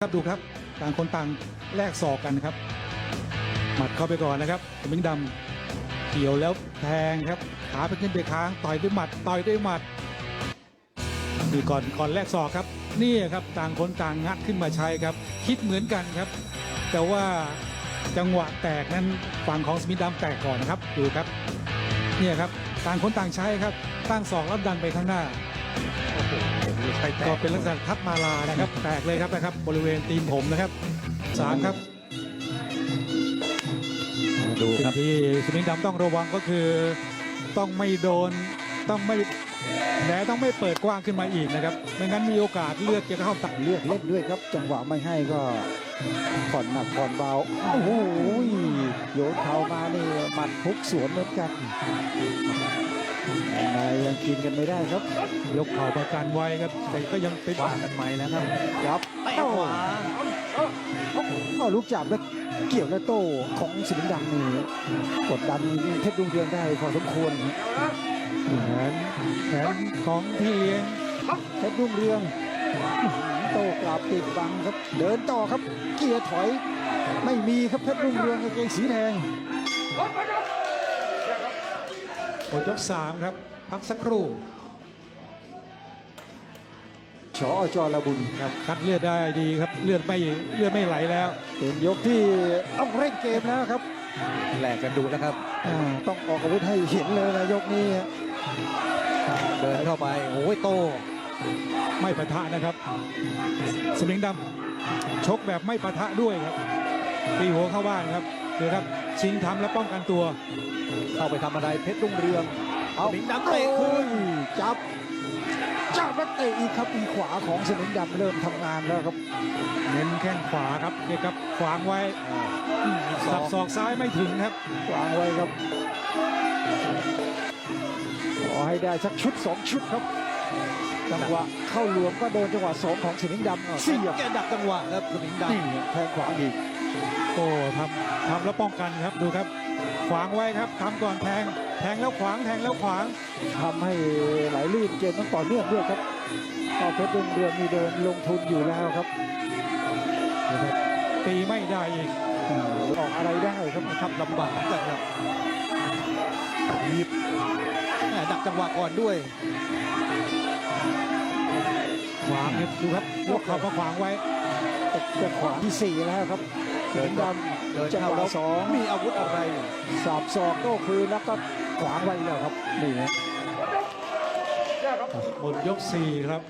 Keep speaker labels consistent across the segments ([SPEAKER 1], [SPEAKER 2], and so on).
[SPEAKER 1] ครับดูครับต่างคนต่างแลกศอกกันครับหมัดเข้าไปก่อนนะครับสมิงดำเกี่ยวแล้วแทงครับขาไปขึ้นไปค้างต่อยด้วยหมัดนี่ก่อนแลกศอกครับนี่ครับต่างคนต่างงัดขึ้นมาใช้ครับคิดเหมือนกันครับแต่ว่าจังหวะแตกนั้นฝั่งของสมิงดำแตกก่อนนะครับดูครับเนี่ยครับต่างคนต่างใช้ครับตั้งศอกแล้วดันไปข้างหน้าก็เป็นลักษณะทัดมาลานะครับแตกเลยครับบริเวณตีนผมนะครับ3ครับดูครับที่สมิงดำต้องระวังก็คือต้องไม่โดนต้องไม่แผลต้องไม่เปิดกว้างขึ้นมาอีกนะครับไม่งั้นมีโอกาสเลือดจะเข้าตับ
[SPEAKER 2] เลือกเล่นด้วยครับจังหวะไม่ให้ก็ผ่อนหนักผ่อนเบาโอ้โหโยนเข่ามานี่หมัดพุกสวนเหมือนกันยังกินกันไม่ได้ครับ
[SPEAKER 1] ยกเข่าประกันไว้ครับแต่ก็ยังไปบ้ากันใหม่แล้วครับ
[SPEAKER 2] ยับเต้าลูกจับแล้วเกี่ยวแล้วโต้ของสิงห์ดำนี่กดดันเพชรรุ่งเรืองได้พอสมควร
[SPEAKER 1] แผนของพี่เลี้ยง
[SPEAKER 2] เพชรรุ่งเรืองโต้กลับติดบังครับเดินต่อครับเกียร์ถอยไม่มีครับเพชรรุ่งเรืองกางเกงสีแดง
[SPEAKER 1] หมดยก3ครับพักสักครู่
[SPEAKER 2] ชอจระบุญ
[SPEAKER 1] ครับคัดเลือดได้ดีครับเลือดไม่ไหลแล้ว
[SPEAKER 2] เป็นยกที่ต้องเร่งเกมแล้วครับ
[SPEAKER 3] แหลกกันดูแล้วครับ
[SPEAKER 2] ต้องออกอาวุธให้เห็นเลยนะยกนี้
[SPEAKER 3] เดินเข้าไปโอ้ยโต
[SPEAKER 1] ไม่ปะทะนะครับสมิงดำชกแบบไม่ปะทะด้วยครับตีหัวเข้าบ้านครับดูครับชิงทำและป้องกันตัว
[SPEAKER 3] เข้าไปทำอะไรเพชรรุ่งเรือง
[SPEAKER 2] เอาสมิงดำเตะคืนจับแล้วเตะอีกครับอีขวาของสมิงดำเริ่มทำงานแล้วครับ
[SPEAKER 1] เน้นแข้งขวาครับเนี่ยครับขวางไว้สับศอกซ้ายไม่ถึงครับ
[SPEAKER 2] ขวางไว้ครับขอให้ได้สักชุด2ชุดครับจังหวะเข้าหลวมก็โดนจังหวะ2ของสมิงดำ
[SPEAKER 3] เสียบแกดักจังหวะครับสมิงด
[SPEAKER 2] ำแทงขวาอีก
[SPEAKER 1] โอ้ทำแล้วป้องกันครับดูครับขวางไว้ครับทำก่อนแทงแล้วขวางแทงแล้วขวาง
[SPEAKER 2] ทำให้ไหลลื่นเกมต้องต่อเนื่องด้วยครับต่อเพชรรุ่งเรืองมีเดินลงทุนอยู่แล้วครับ
[SPEAKER 1] ตีไม่ได้อีก
[SPEAKER 2] ออกอะไรได้ครับ
[SPEAKER 3] ทำลำบากกันครับหยิบดักจังหวะก่อนด้วย
[SPEAKER 1] ขวางเนี่ยดูครับยกเข่ามาขวางไว้
[SPEAKER 2] จะขวางที่4แล้วครับเดินดำจังหวะ2
[SPEAKER 3] มีอาวุธอะไร
[SPEAKER 2] สับศอกโต้คืนแล้วก็ขวางไว้แล้วครับนี่นะ
[SPEAKER 1] หมดยก4ครับ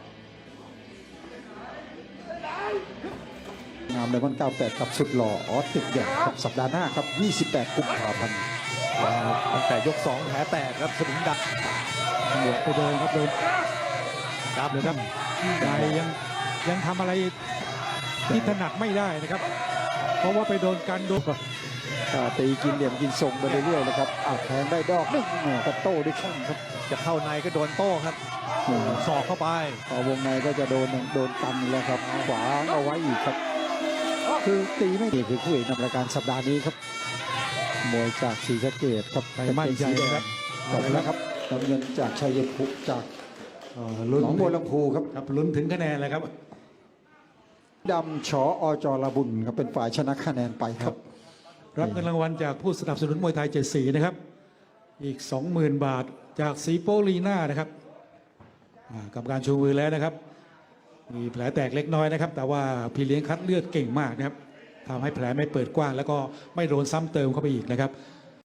[SPEAKER 2] งามเลยวัน98กับสุดหล่อออสติดเด็กครับสัปดาห์หน้าครับ28กุมภาพันธ์
[SPEAKER 3] ตั้งแต่ยก2แผลแตกครับสมิงดำ
[SPEAKER 1] หมดไปเดินครับโดนครับเลยครับใจยังทำอะไรที่ถนัดไม่ได้นะครับเพราะว่าไปโดนกันดู
[SPEAKER 2] ตีกินเหลี่ยมกินทรงไปเรื่อยๆนะครับแทงได้ดอกนึงก็โต้ด้วยแข้งครับ
[SPEAKER 3] จะเข้าในก็โดนโต้ครับศอกเข้าไป
[SPEAKER 2] พอวงในก็จะโดนกันแล้วครับขวาเอาไว้อีกครับคือตีไม่ดีคือคู่เอกนำรายการสัปดาห์นี้ครับมวยจากศรีสะเกษครับ
[SPEAKER 1] ไปมั่นใจครับ
[SPEAKER 2] จบแล้วครับน้ำเงินจากชัยภูมิจากหนองบัวลำพูครับ
[SPEAKER 1] ลุ้นถึงคะแนนเลยครับ
[SPEAKER 2] ดำชอจระบุญครับเป็นฝ่ายชนะคะแนนไปครับ
[SPEAKER 1] รับเงินรางวัลจากผู้สนับสนุนมวยไทย7สีนะครับอีก 20,000 บาทจากสีโปลีน่านะครับกับการชูมือแล้วนะครับมีแผลแตกเล็กน้อยนะครับแต่ว่าพี่เลี้ยงคัดเลือดเก่งมากนะครับทำให้แผลไม่เปิดกว้างแล้วก็ไม่โดนซ้ำเติมเข้าไปอีกนะครับ